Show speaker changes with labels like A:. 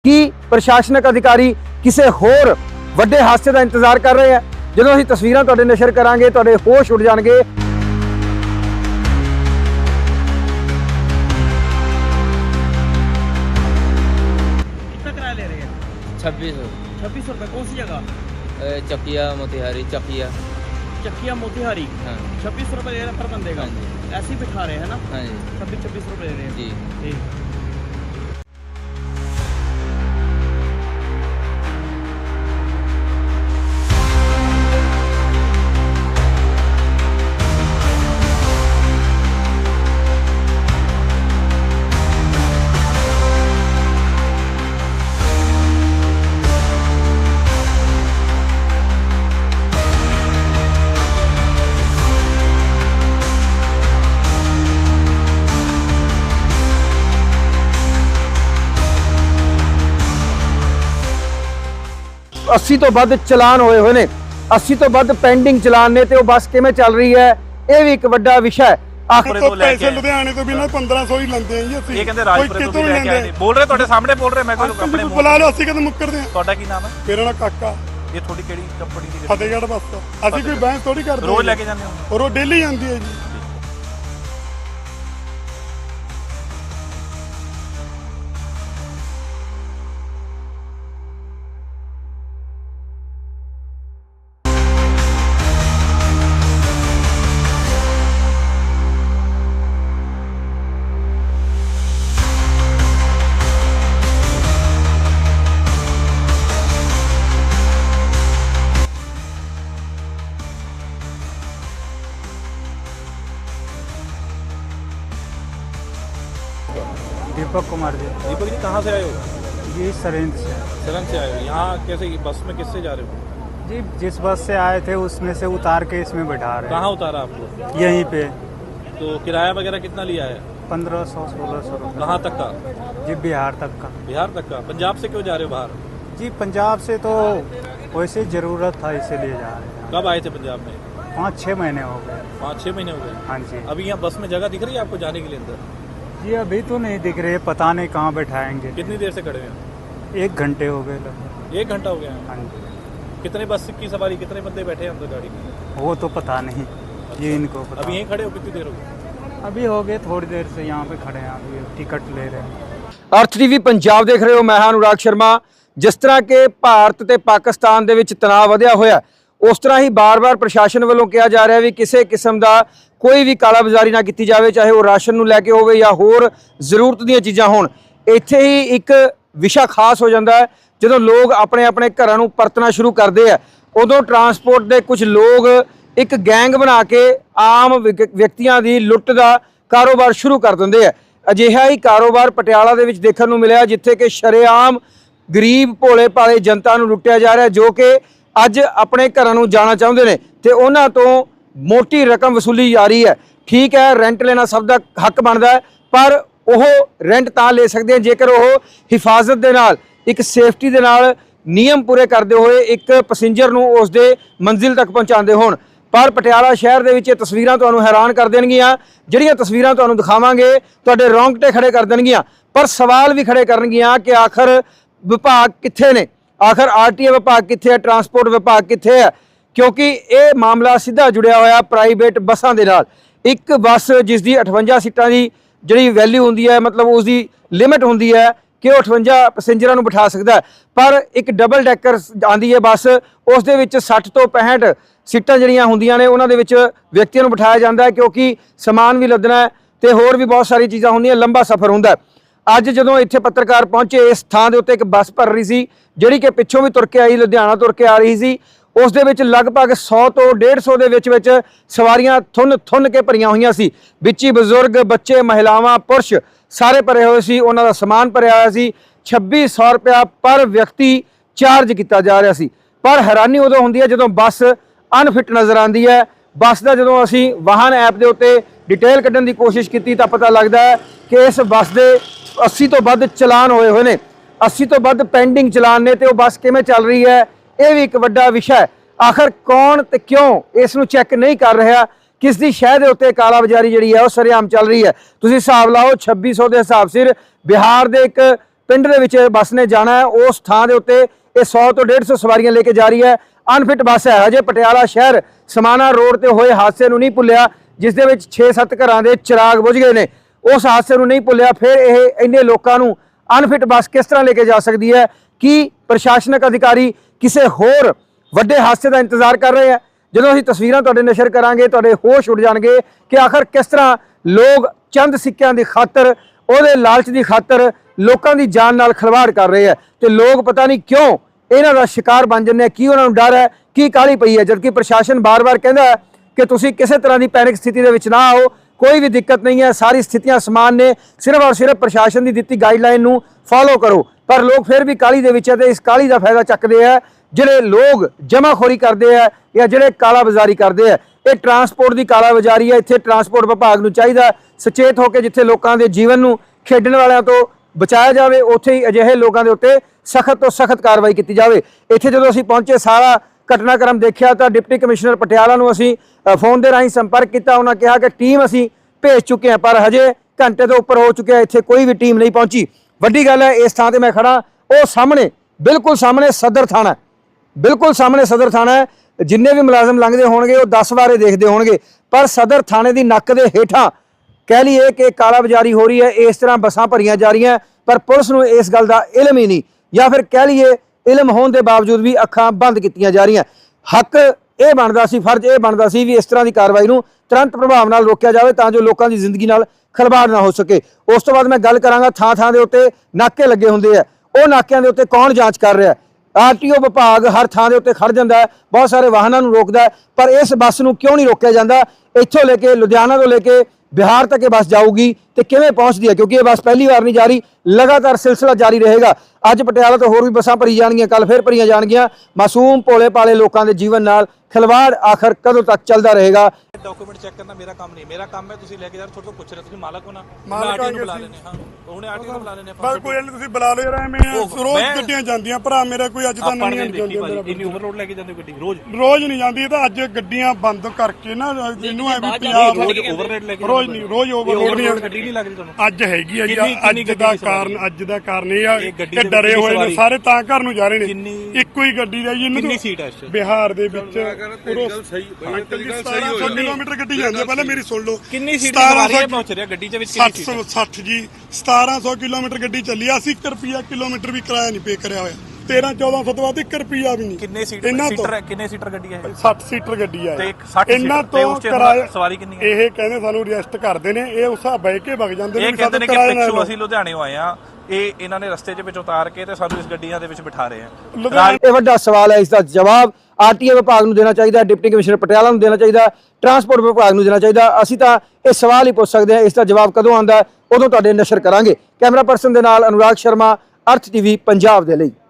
A: ਕੀ ਪ੍ਰਸ਼ਾਸਨਿਕ ਅਧਿਕਾਰੀ ਕਿਸੇ ਹੋਰ ਵੱਡੇ ਹਾਦਸੇ ਦਾ ਇੰਤਜ਼ਾਰ ਕਰ ਰਹੇ ਆ? ਜਦੋਂ ਅਸੀਂ ਤਸਵੀਰਾਂ ਤੁਹਾਡੇ ਨਸ਼ਰ ਕਰਾਂਗੇ ਤੁਹਾਡੇ ਹੋਸ਼ ਉੱਡ ਜਾਣਗੇ।
B: कितना किराया ले रहे हैं? 2600 रुपए। कौन सी जगह?
C: चकिया मोतिहारी चकिया।
B: चकिया मोतिहारी।
C: हाँ
B: 2600 रुपए ले रहे हैं पर बंदे का।
C: हाँ जी।
B: ऐसे ही बिठा रहे हैं ना?
C: हाँ जी
B: 2600 रुपए ले रहे हैं
C: जी।
B: ठीक।
A: अस्सी तो ਵੱਧ ਚਲਾਨ ਹੋਏ ਹੋਏ ਨੇ, 80 ਤੋਂ ਵੱਧ ਪੈਂਡਿੰਗ ਚਲਾਨ ਨੇ ਤੇ ਉਹ ਬੱਸ ਕਿਵੇਂ ਚੱਲ ਰਹੀ ਹੈ ਇਹ ਵੀ ਇੱਕ ਵੱਡਾ ਵਿਸ਼ਾ ਹੈ।
D: ਆਖਰ ਤੋਂ ਪੈਸੇ ਲੁਧਿਆਣੇ ਤੋਂ ਵੀ ਨਾ 1500 ਹੀ ਲੈਂਦੇ ਆ ਜੀ ਅਸੀਂ।
E: ਇਹ ਕਹਿੰਦੇ ਰਾਜਪੁਰੇ ਤੋਂ ਵੀ ਲੈ ਕੇ ਆਏ ਨੇ। ਬੋਲ ਰਹੇ ਤੁਹਾਡੇ ਸਾਹਮਣੇ ਬੋਲ ਰਹੇ, ਮੈਂ ਕੋਈ ਆਪਣੇ ਮੂੰਹ
D: ਬੁਲਾ ਲਓ, ਅਸੀਂ ਕਦੇ ਮੁੱਕਰਦੇ ਆ।
E: ਤੁਹਾਡਾ ਕੀ ਨਾਮ ਹੈ?
D: ਮੇਰਾ ਨਾਮ ਕਾਕਾ।
E: ਇਹ ਤੁਹਾਡੀ ਕਿਹੜੀ ਕੰਪਨੀ ਦੀ ਗੱਡੀ?
D: ਫਤਿਹਗੜ੍ਹ ਬੱਸ। ਅਸੀਂ ਕੋਈ ਬਹਿਸ ਥੋੜੀ ਕਰਦੇ।
E: ਰੋਜ਼ ਲੈ ਕੇ ਜਾਂਦੇ ਹੋ?
D: ਔਰ ਉਹ ਡੇਲੀ ਜਾਂਦੀ ਹੈ ਜੀ।
F: दीपक कुमार जी।
E: दीपक जी कहाँ से आए हो?
F: जी सरेंद्र से।
E: सरन से आए हो। यहाँ कैसे बस में किससे जा रहे हो?
F: जी जिस बस से आए थे उसमें से उतार के इसमें बैठा रहे
E: कहाँ उतारा आपको?
F: हैं। यहीं पे
E: तो किराया वगैरह कितना लिया है?
F: 1500-1600 रुपये।
E: कहाँ तक का?
F: जी बिहार तक का।
E: बिहार तक का। पंजाब से क्यों जा रहे हो बाहर?
F: जी पंजाब से तो वैसे ज़रूरत था इसीलिए जा रहे हैं।
E: कब आए थे पंजाब में?
F: 5-6 महीने हो गए।
E: 5-6 महीने हो गए।
F: हाँ जी।
E: अभी यहाँ बस में जगह दिख रही है आपको जाने के लिए अंदर?
F: जी अभी तो नहीं दिख रहे, पता नहीं कहाँ बैठाएंगे।
E: कितनी देर से खड़े हैं?
F: 1 घंटे हो गए लगभग।
E: 1 घंटा हो गया है।
F: हाँ जी।
E: कितने बस की सवारी, कितने बंदे बैठे हैं अंदर गाड़ी में?
F: वो तो पता नहीं, ये इनको पता।
E: अभी यहीं खड़े हो? कितनी देर हो गई?
F: अभी हो गए थोड़ी देर से यहाँ पे खड़े हैं, अभी टिकट ले रहे हैं।
A: ਅਰਥ ਟੀਵੀ ਪੰਜਾਬ ਦੇਖ ਰਹੇ ਹੋ, ਮੈਂ ਹਾਂ ਅਨੁਰਾਗ ਸ਼ਰਮਾ। ਜਿਸ ਤਰ੍ਹਾਂ ਕਿ ਭਾਰਤ ਤੇ ਪਾਕਿਸਤਾਨ ਦੇ ਵਿੱਚ ਤਣਾਅ ਵਧਿਆ ਹੋਇਆ, ਉਸ ਤਰ੍ਹਾਂ ਹੀ ਬਾਰ-ਬਾਰ ਪ੍ਰਸ਼ਾਸਨ ਵੱਲੋਂ ਕਿਹਾ ਜਾ ਰਿਹਾ ਵੀ ਕਿਸੇ ਕਿਸਮ ਦਾ ਕੋਈ ਵੀ ਕਾਲਾਬਾਜ਼ਾਰੀ ਨਾ ਕੀਤੀ ਜਾਵੇ, ਚਾਹੇ ਉਹ ਰਾਸ਼ਨ ਨੂੰ ਲੈ ਕੇ ਹੋਵੇ ਜਾਂ ਹੋਰ ਜ਼ਰੂਰਤ ਦੀਆਂ ਚੀਜ਼ਾਂ ਹੋਣ। ਇੱਥੇ ਹੀ ਇੱਕ ਵਿਸ਼ਾ ਖਾਸ ਹੋ ਜਾਂਦਾ ਹੈ ਜਦੋਂ ਲੋਕ ਆਪਣੇ ਆਪਣੇ ਘਰਾਂ ਨੂੰ ਪਰਤਣਾ ਸ਼ੁਰੂ ਕਰਦੇ ਆ। ਉਦੋਂ ਟਰਾਂਸਪੋਰਟ ਦੇ ਕੁਝ ਲੋਕ ਇੱਕ ਗੈਂਗ ਬਣਾ ਕੇ ਆਮ ਵਿਅਕਤੀਆਂ ਦੀ ਲੁੱਟ ਦਾ ਕਾਰੋਬਾਰ ਸ਼ੁਰੂ ਕਰ ਦਿੰਦੇ ਆ। ਅਜਿਹਾ ਹੀ ਕਾਰੋਬਾਰ ਪਟਿਆਲਾ ਦੇ ਵਿੱਚ ਦੇਖਣ ਨੂੰ ਮਿਲਿਆ, ਜਿੱਥੇ ਕਿ ਸ਼ਰੇਆਮ ਗਰੀਬ ਭੋਲੇ ਭਾਲੇ ਜਨਤਾ ਨੂੰ ਲੁੱਟਿਆ ਜਾ ਰਿਹਾ, ਜੋ ਕਿ ਅੱਜ ਆਪਣੇ ਘਰਾਂ ਨੂੰ ਜਾਣਾ ਚਾਹੁੰਦੇ ਨੇ ਤੇ ਉਹਨਾਂ ਤੋਂ ਮੋਟੀ ਰਕਮ ਵਸੂਲੀ ਜਾ ਰਹੀ ਹੈ। ਠੀਕ ਹੈ, ਰੈਂਟ ਲੈਣਾ ਸਭ ਦਾ ਹੱਕ ਬਣਦਾ ਹੈ, ਪਰ ਉਹ ਰੈਂਟ ਤਾਂ ਲੈ ਸਕਦੇ ਆ ਜੇਕਰ ਉਹ ਹਿਫਾਜ਼ਤ ਦੇ ਨਾਲ, ਇੱਕ ਸੇਫਟੀ ਦੇ ਨਾਲ ਨਿਯਮ ਪੂਰੇ ਕਰਦੇ ਹੋਏ ਇੱਕ ਪੈਸੇਂਜਰ ਨੂੰ ਉਸ ਦੇ ਮੰਜ਼ਿਲ ਤੱਕ ਪਹੁੰਚਾਉਂਦੇ ਹੋਣ। ਪਰ ਪਟਿਆਲਾ ਸ਼ਹਿਰ ਦੇ ਵਿੱਚ ਇਹ ਤਸਵੀਰਾਂ ਤੁਹਾਨੂੰ ਹੈਰਾਨ ਕਰ ਦੇਣਗੀਆਂ। ਜਿਹੜੀਆਂ ਤਸਵੀਰਾਂ ਤੁਹਾਨੂੰ ਦਿਖਾਵਾਂਗੇ ਤੁਹਾਡੇ ਰੌਂਗਟੇ ਖੜੇ ਕਰ ਦੇਣਗੀਆਂ, ਪਰ ਸਵਾਲ ਵੀ ਖੜੇ ਕਰਨਗੀਆਂ ਕਿ ਆਖਰ ਵਿਭਾਗ ਕਿੱਥੇ ਨੇ, ਆਖਰ ਆਰਟੀਏ ਵਿਭਾਗ ਕਿੱਥੇ ਹੈ, ਟਰਾਂਸਪੋਰਟ ਵਿਭਾਗ ਕਿੱਥੇ ਹੈ? ਕਿਉਂਕਿ ਇਹ ਮਾਮਲਾ ਸਿੱਧਾ ਜੁੜਿਆ ਹੋਇਆ ਪ੍ਰਾਈਵੇਟ ਬੱਸਾਂ ਦੇ ਨਾਲ। ਇੱਕ ਬੱਸ ਜਿਸ ਦੀ 58 ਸੀਟਾਂ ਦੀ ਜਿਹੜੀ ਵੈਲਿਊ ਹੁੰਦੀ ਹੈ, ਮਤਲਬ ਉਸ ਦੀ ਲਿਮਿਟ ਹੁੰਦੀ ਹੈ ਕਿ ਉਹ 58 ਪੈਸੇਂਜਰਾਂ ਨੂੰ ਬਿਠਾ ਸਕਦਾ ਹੈ, ਪਰ ਇੱਕ ਡਬਲ ਡੈਕਰ ਆਉਂਦੀ ਹੈ ਬੱਸ, ਉਸ ਦੇ ਵਿੱਚ 60 ਤੋਂ 65 ਸੀਟਾਂ ਜਿਹੜੀਆਂ ਹੁੰਦੀਆਂ ਨੇ ਉਹਨਾਂ ਦੇ ਵਿੱਚ ਵਿਅਕਤੀਆਂ ਨੂੰ ਬਿਠਾਇਆ ਜਾਂਦਾ ਹੈ, ਕਿਉਂਕਿ ਸਮਾਨ ਵੀ ਲੱਦਣਾ ਹੈ ਤੇ ਹੋਰ ਵੀ ਬਹੁਤ ਸਾਰੀ ਚੀਜ਼ਾਂ ਹੁੰਦੀਆਂ, ਲੰਬਾ ਸਫ਼ਰ ਹੁੰਦਾ। ਅੱਜ ਜਦੋਂ ਇੱਥੇ ਪੱਤਰਕਾਰ ਪਹੁੰਚੇ, ਇਸ ਥਾਂ ਦੇ ਉੱਤੇ ਇੱਕ ਬੱਸ ਭਰ ਰਹੀ ਸੀ ਜਿਹੜੀ ਕਿ ਪਿੱਛੋਂ ਵੀ ਤੁਰ ਕੇ ਆਈ, ਲੁਧਿਆਣਾ ਤੁਰ ਕੇ ਆ ਰਹੀ ਸੀ। ਉਸ ਦੇ ਵਿੱਚ ਲਗਭਗ 100 ਤੋਂ 150 ਦੇ ਵਿੱਚ ਸਵਾਰੀਆਂ ਥੁੰਨ ਕੇ ਭਰੀਆਂ ਹੋਈਆਂ ਸੀ। ਵਿੱਚ ਹੀ ਬਜ਼ੁਰਗ, ਬੱਚੇ, ਮਹਿਲਾਵਾਂ, ਪੁਰਸ਼ ਸਾਰੇ ਭਰੇ ਹੋਏ ਸੀ, ਉਹਨਾਂ ਦਾ ਸਮਾਨ ਭਰਿਆ ਹੋਇਆ ਸੀ। 2600 ਰੁਪਇਆ ਪਰ ਵਿਅਕਤੀ ਚਾਰਜ ਕੀਤਾ ਜਾ ਰਿਹਾ ਸੀ। ਪਰ ਹੈਰਾਨੀ ਉਦੋਂ ਹੁੰਦੀ ਹੈ ਜਦੋਂ ਬੱਸ ਅਨਫਿਟ ਨਜ਼ਰ ਆਉਂਦੀ ਹੈ। ਬੱਸ ਦਾ ਜਦੋਂ ਅਸੀਂ ਵਾਹਨ ਐਪ ਦੇ ਉੱਤੇ ਡਿਟੇਲ ਕੱਢਣ ਦੀ ਕੋਸ਼ਿਸ਼ ਕੀਤੀ ਤਾਂ ਪਤਾ ਲੱਗਦਾ ਹੈ ਕਿ ਇਸ ਬੱਸ ਦੇ 80 ਤੋਂ ਵੱਧ ਚਲਾਨ ਹੋਏ ਹੋਏ ਨੇ, 80 ਤੋਂ ਵੱਧ ਪੈਂਡਿੰਗ ਚਲਾਨ ਨੇ ਤੇ ਉਹ ਬੱਸ ਕਿਵੇਂ ਚੱਲ ਰਹੀ ਹੈ ਇਹ ਵੀ ਇੱਕ ਵੱਡਾ ਵਿਸ਼ਾ ਹੈ। ਆਖਰ ਕੌਣ ਤੇ ਕਿਉਂ ਇਸ ਨੂੰ ਚੈੱਕ ਨਹੀਂ ਕਰ ਰਿਹਾ, किस दी शह के उत्ते कालाबाजारी जी है सरेआम चल रही है। तुसीं हिसाब लाओ 2600 के हिसाब सिर बिहार के एक ਪਿੰਡ ਦੇ ਵਿੱਚ ਬੱਸ ਨੇ ਜਾਣਾ ਹੈ ਉਸ ਥਾਂ ਦੇ ਉੱਤੇ ਇਹ 100 ਤੋਂ 150 ਸਵਾਰੀਆਂ ਲੈ ਕੇ ਜਾ ਰਹੀ ਹੈ। ਅਨਫਿਟ ਬੱਸ ਹੈ। ਹਜੇ ਪਟਿਆਲਾ ਸ਼ਹਿਰ ਸਮਾਣਾ ਰੋਡ ਤੇ ਹੋਏ ਹਾਦਸੇ ਨੂੰ ਨਹੀਂ ਭੁੱਲਿਆ, ਜਿਸ ਦੇ ਵਿੱਚ 6-7 ਘਰਾਂ ਦੇ ਚਿਰਾਗ ਬੁਝ ਗਏ ਨੇ। ਉਸ ਹਾਦਸੇ ਨੂੰ ਨਹੀਂ ਭੁੱਲਿਆ। ਫਿਰ ਇਹ ਇੰਨੇ ਲੋਕਾਂ ਨੂੰ ਅਨਫਿਟ ਬੱਸ ਕਿਸ ਤਰ੍ਹਾਂ ਲੈ ਕੇ ਜਾ ਸਕਦੀ ਹੈ? ਕੀ ਪ੍ਰਸ਼ਾਸਨਿਕ ਅਧਿਕਾਰੀ ਕਿਸੇ ਹੋਰ ਵੱਡੇ ਹਾਦਸੇ ਦਾ ਇੰਤਜ਼ਾਰ ਕਰ ਰਹੇ ਆ? ਜਦੋਂ ਅਸੀਂ ਤਸਵੀਰਾਂ ਤੁਹਾਡੇ ਨਸ਼ਰ ਕਰਾਂਗੇ ਤੁਹਾਡੇ ਹੋਸ਼ ਉੱਡ ਜਾਣਗੇ ਕਿ ਆਖਰ ਕਿਸ ਤਰ੍ਹਾਂ ਲੋਕ ਚੰਦ ਸਿੱਕਿਆਂ ਦੀ ਖਾਤਰ, ਉਹਦੇ ਲਾਲਚ ਦੀ ਖਾਤਰ ਲੋਕਾਂ ਦੀ ਜਾਨ ਨਾਲ ਖਿਲਵਾੜ ਕਰ ਰਹੇ ਆ ਤੇ ਲੋਕ ਪਤਾ ਨਹੀਂ ਕਿਉਂ ਇਹਨਾਂ ਦਾ ਸ਼ਿਕਾਰ ਬਣ ਜਾਂਦੇ ਆ। ਕੀ ਉਹਨਾਂ ਨੂੰ ਡਰ ਹੈ, ਕੀ ਕਾਹਲੀ ਪਈ ਹੈ? ਜਦਕਿ ਪ੍ਰਸ਼ਾਸਨ ਬਾਰ-ਬਾਰ ਕਹਿੰਦਾ ਹੈ ਕਿ ਤੁਸੀਂ ਕਿਸੇ ਤਰ੍ਹਾਂ ਦੀ ਪੈਨਿਕ ਸਥਿਤੀ ਦੇ ਵਿੱਚ ਨਾ ਆਓ, ਕੋਈ ਵੀ ਦਿੱਕਤ ਨਹੀਂ ਹੈ, ਸਾਰੀ ਸਥਿਤੀਆਂ ਸਮਾਨ ਨੇ, ਸਿਰਫ ਔਰ ਸਿਰਫ ਪ੍ਰਸ਼ਾਸਨ ਦੀ ਦਿੱਤੀ ਗਾਈਡਲਾਈਨ ਨੂੰ ਫਾਲੋ ਕਰੋ। ਪਰ ਲੋਕ ਫਿਰ ਵੀ ਕਾਹਲੀ ਦੇ ਵਿੱਚ ਹੈ ਤੇ ਇਸ ਕਾਹਲੀ ਦਾ ਫਾਇਦਾ ਚੱਕਦੇ ਆ ਜਿਹੜੇ ਲੋਕ ਜਮਾਖੋਰੀ ਕਰਦੇ ਆ ਜਾਂ ਜਿਹੜੇ ਕਾਲਾਬਾਜ਼ਾਰੀ ਕਰਦੇ ਆ। ਇਹ ਟਰਾਂਸਪੋਰਟ ਦੀ ਕਾਲਾਬਾਜ਼ਾਰੀ ਹੈ। ਇੱਥੇ ਟਰਾਂਸਪੋਰਟ ਵਿਭਾਗ ਨੂੰ ਚਾਹੀਦਾ ਸੁਚੇਤ ਹੋ ਕੇ ਜਿੱਥੇ ਲੋਕਾਂ ਦੇ ਜੀਵਨ ਨੂੰ ਖੇਡਣ ਵਾਲਿਆਂ ਤੋਂ ਬਚਾਇਆ ਜਾਵੇ, ਉੱਥੇ ਹੀ ਅਜਿਹੇ ਲੋਕਾਂ ਦੇ ਉੱਤੇ ਸਖਤ ਤੋਂ ਸਖਤ ਕਾਰਵਾਈ ਕੀਤੀ ਜਾਵੇ। ਇੱਥੇ ਜਦੋਂ ਅਸੀਂ ਪਹੁੰਚੇ ਸਾਰਾ ਘਟਨਾਕ੍ਰਮ ਦੇਖਿਆ ਤਾਂ ਡਿਪਟੀ ਕਮਿਸ਼ਨਰ ਪਟਿਆਲਾ ਨੂੰ ਅਸੀਂ ਫੋਨ ਦੇ ਰਾਹੀਂ ਸੰਪਰਕ ਕੀਤਾ। ਉਹਨਾਂ ਕਿਹਾ ਕਿ ਟੀਮ ਅਸੀਂ ਭੇਜ ਚੁੱਕੇ ਹਾਂ, ਪਰ ਹਜੇ ਘੰਟੇ ਤੋਂ ਉੱਪਰ ਹੋ ਚੁੱਕਿਆ, ਇੱਥੇ ਕੋਈ ਵੀ ਟੀਮ ਨਹੀਂ ਪਹੁੰਚੀ। ਵੱਡੀ ਗੱਲ ਹੈ ਇਸ ਥਾਂ ਤੇ ਮੈਂ ਖੜਾ, ਉਹ ਸਾਹਮਣੇ ਬਿਲਕੁਲ ਸਾਹਮਣੇ ਸਦਰ ਥਾਣਾ, ਬਿਲਕੁਲ ਸਾਹਮਣੇ ਸਦਰ ਥਾਣਾ ਹੈ। ਜਿੰਨੇ ਵੀ ਮੁਲਾਜ਼ਮ ਲੰਘਦੇ ਹੋਣਗੇ ਉਹ 10 ਵਾਰੇ ਦੇਖਦੇ ਹੋਣਗੇ, ਪਰ ਸਦਰ ਥਾਣੇ ਦੀ ਨੱਕ ਦੇ ਹੇਠਾਂ ਕਹਿ ਲਈਏ ਕਿ ਕਾਲਾਬਾਜ਼ਾਰੀ ਹੋ ਰਹੀ ਹੈ। ਇਸ ਤਰ੍ਹਾਂ ਬੱਸਾਂ ਭਰੀਆਂ ਜਾ ਰਹੀਆਂ ਪਰ ਪੁਲਿਸ ਨੂੰ ਇਸ ਗੱਲ ਦਾ ਇਲਮ ਹੀ ਨਹੀਂ, ਜਾਂ ਫਿਰ ਕਹਿ ਲਈਏ ਇਲਮ ਹੋਣ ਦੇ ਬਾਵਜੂਦ ਵੀ ਅੱਖਾਂ ਬੰਦ ਕੀਤੀਆਂ ਜਾ ਰਹੀਆਂ। ਹੱਕ ਇਹ ਬਣਦਾ ਸੀ, ਫਰਜ਼ ਇਹ ਬਣਦਾ ਸੀ ਵੀ ਇਸ ਤਰ੍ਹਾਂ ਦੀ ਕਾਰਵਾਈ ਨੂੰ ਤੁਰੰਤ ਪ੍ਰਭਾਵ ਨਾਲ ਰੋਕਿਆ ਜਾਵੇ ਤਾਂ ਜੋ ਲੋਕਾਂ ਦੀ ਜ਼ਿੰਦਗੀ ਨਾਲ ਖਿਲਵਾੜ ਨਾ ਹੋ ਸਕੇ। ਉਸ ਤੋਂ ਬਾਅਦ ਮੈਂ ਗੱਲ ਕਰਾਂਗਾ ਥਾਂ-ਥਾਂ ਦੇ ਉੱਤੇ ਨਾਕੇ ਲੱਗੇ ਹੁੰਦੇ ਆ, ਉਹ ਨਾਕਿਆਂ ਦੇ ਉੱਤੇ ਕੌਣ ਜਾਂਚ ਕਰ ਰਿਹਾ? ਆਰਟੀਓ ਵਿਭਾਗ ਹਰ ਥਾਂ ਦੇ ਉੱਤੇ ਖੜ ਜਾਂਦਾ ਹੈ, ਬਹੁਤ ਸਾਰੇ ਵਾਹਨਾਂ ਨੂੰ ਰੋਕਦਾ ਹੈ, ਪਰ ਇਸ ਬੱਸ ਨੂੰ ਕਿਉਂ ਨਹੀਂ ਰੋਕਿਆ ਜਾਂਦਾ? ਇੱਥੋਂ ਲੈ ਕੇ ਲੁਧਿਆਣਾ ਤੋਂ ਲੈ ਕੇ ਬਿਹਾਰ ਤੱਕ ਇਹ ਬੱਸ ਜਾਊਗੀ ਤੇ ਕਿਵੇਂ ਪਹੁੰਚਦੀ ਹੈ? ਕਿਉਂਕਿ ਇਹ ਬੱਸ ਪਹਿਲੀ ਵਾਰ ਨਹੀਂ ਜਾ ਰਹੀ, ਲਗਾਤਾਰ ਸਿਲਸਿਲਾ ਜਾਰੀ ਰਹੇਗਾ। ਅੱਜ ਪਟਿਆਲਾ ਤੋਂ ਹੋਰ ਵੀ ਬੱਸਾਂ ਭਰੀ ਜਾਣਗੀਆਂ, ਕੱਲ ਫਿਰ ਭਰੀਆਂ ਜਾਣਗੀਆਂ। ਮਾਸੂਮ ਭੋਲੇ ਭਾਲੇ ਲੋਕਾਂ ਦੇ ਜੀਵਨ ਨਾਲ ਖਿਲਵਾੜ ਆਖਰ ਕਦੋਂ ਤੱਕ ਚੱਲਦਾ ਰਹੇਗਾ?
E: ਡਾਕੂਮੈਂਟ ਚੈੱਕ ਕਰਨਾ ਮੇਰਾ ਕੰਮ ਨਹੀਂ, ਮੇਰਾ ਕੰਮ ਹੈ ਤੁਸੀਂ ਲੈ ਕੇ ਜਾ ਤੁਹਾਡੇ ਤੋਂ ਪੁੱਛ ਰਹੇ, ਤੁਸੀਂ ਮਾਲਕ ਹੋ ਨਾ,
D: ਮਾਲਕ
E: ਆਰਟੀਓ ਨੂੰ
D: ਆ
E: ਬੁਲਾ
D: ਅਸੀਂ।
E: ਲੈਣੇ। ਹਾਂ ਉਹਨੇ ਆਰਟੀਓ ਨੂੰ ਬੁਲਾ ਲੈਣੇ
D: ਬਸ ਕੋਈ ਗੱਲ ਨੀ, ਤੁਸੀਂ ਬੁਲਾ ਲਓ ਯਾਰ, ਐਵੇਂ ਰੋਜ਼ ਗੱਡੀਆਂ ਜਾਂਦੀਆਂ ਭਰਾ ਮੇਰਾ, ਕੋਈ ਅੱਜ ਤਾਂ ਨਹੀਂ ਜਾਂਦੀ।
E: ਇੰਨੀ ਓਵਰਲੋਡ ਲੈ ਕੇ ਜਾਂਦੇ ਗੱਡੀ ਰੋਜ਼
D: ਰੋਜ਼ ਨਹੀਂ ਜਾਂਦੀ, ਇਹ ਤਾਂ ਅੱਜ ਗੱਡੀਆਂ ਬੰਦ ਕਰਕੇ ਨਾ ਇਹਨੂੰ ਐ ਵੀ ਪੰਜਾਬ
E: ਰੋਜ਼ ਓਵਰਲੋਡ ਲੈ ਕੇ
D: ਰੋਜ਼ ਨਹੀਂ, ਰੋਜ਼ ਓਵਰਲੋਡ ਨਹੀਂ।
E: ਗੱਡੀ ਨਹੀਂ ਲੱਗਦੀ ਤੁਹਾਨੂੰ?
D: ਅੱਜ ਹੈਗੀ ਆ ਜੀ, ਅੱਜ ਦਾ ਕਾਰਨ ਇਹ ਆ ਕਿ ਡਰੇ ਹੋਏ ਨੇ ਸਾਰੇ, ਤਾਂ ਘਰ ਨੂੰ ਜਾ ਰਹੇ ਨੇ। ਇੱਕੋ ਹੀ ਗੱਡੀ ਦਾ ਜੀ,
E: ਕਿੰਨੀ ਸੀਟ ਹੈ?
D: ਬਿਹਾਰ ਦੇ ਵਿੱਚ 1700 ਕਿਲੋਮੀਟਰ ਗੱਡੀ ਜਾਂਦੀ ਹੈ। ਪਹਿਲਾਂ ਮੇਰੀ ਸੁਣ ਲਓ,
E: ਕਿੰਨੀ ਸੀਟ ਸਵਾਰੀ ਪਹੁੰਚ ਰਿਹਾ ਗੱਡੀ ਦੇ ਵਿੱਚ?
D: 60 ਜੀ, 1700 ਕਿਲੋਮੀਟਰ ਗੱਡੀ ਚੱਲੀ ਆ। 80 ਰੁਪਿਆ ਕਿਲੋਮੀਟਰ ਵੀ ਕਿਰਾਇਆ ਨਹੀਂ ਪੇ ਕਰਿਆ ਹੋਇਆ। 1300-1400 ਤੋਂ ਵੱਧ 1 ਰੁਪਿਆ ਵੀ ਨਹੀਂ।
E: ਕਿੰਨੇ ਸੀਟਰ ਕਿੰਨੇ ਸੀਟਰ ਗੱਡੀ ਹੈ?
D: 60 ਸੀਟਰ ਗੱਡੀ ਆ।
E: ਤੇ 60
D: ਇਹਨਾਂ ਤੋਂ
E: ਕਿਰਾਇਆ ਸਵਾਰੀ ਕਿੰਨੀ ਹੈ?
D: ਇਹ ਕਹਿੰਦੇ ਸਾਨੂੰ ਰਿਜੈਸਟ ਕਰਦੇ ਨੇ, ਇਹ ਉਸ ਬਹਿ ਕੇ ਵਗ ਜਾਂਦੇ ਨੇ।
E: ਇਹ ਕਹਿੰਦੇ ਨੇ ਕਿ ਪਿੱਛੋਂ ਅਸੀਂ ਲੁਧਿਆਣੇ ਆਏ ਆ, ਇਹ ਇਹਨਾਂ ਨੇ ਰਸਤੇ 'ਚ ਵਿੱਚ ਉਤਾਰ ਕੇ ਤੇ ਸਾਨੂੰ ਇਸ ਗੱਡੀਆਂ ਦੇ ਵਿੱਚ ਬਿਠਾ ਰਹੇ ਆ।
A: ਇਹ ਵੱਡਾ ਸਵਾਲ ਹੈ, ਇਸ ਦਾ ਜਵਾਬ ਆਰਟੀਓ ਵਿਭਾਗ ਨੂੰ ਦੇਣਾ ਚਾਹੀਦਾ, ਡਿਪਟੀ ਕਮਿਸ਼ਨਰ ਪਟਿਆਲਾ ਨੂੰ ਦੇਣਾ ਚਾਹੀਦਾ, ਟਰਾਂਸਪੋਰਟ ਵਿਭਾਗ ਨੂੰ ਦੇਣਾ ਚਾਹੀਦਾ। ਅਸੀਂ ਤਾਂ ਇਹ ਸਵਾਲ ਹੀ ਪੁੱਛ ਸਕਦੇ ਹਾਂ, ਇਸ ਦਾ ਜਵਾਬ ਕਦੋਂ ਆਉਂਦਾ ਉਦੋਂ ਤੁਹਾਡੇ ਨਸ਼ਰ ਕਰਾਂਗੇ। ਕੈਮਰਾ ਪਰਸਨ ਦੇ ਨਾਲ ਅਨੁਰਾਗ ਸ਼ਰਮਾ, ਅਰਥ ਟੀਵੀ ਪੰਜਾਬ ਦੇ ਲਈ।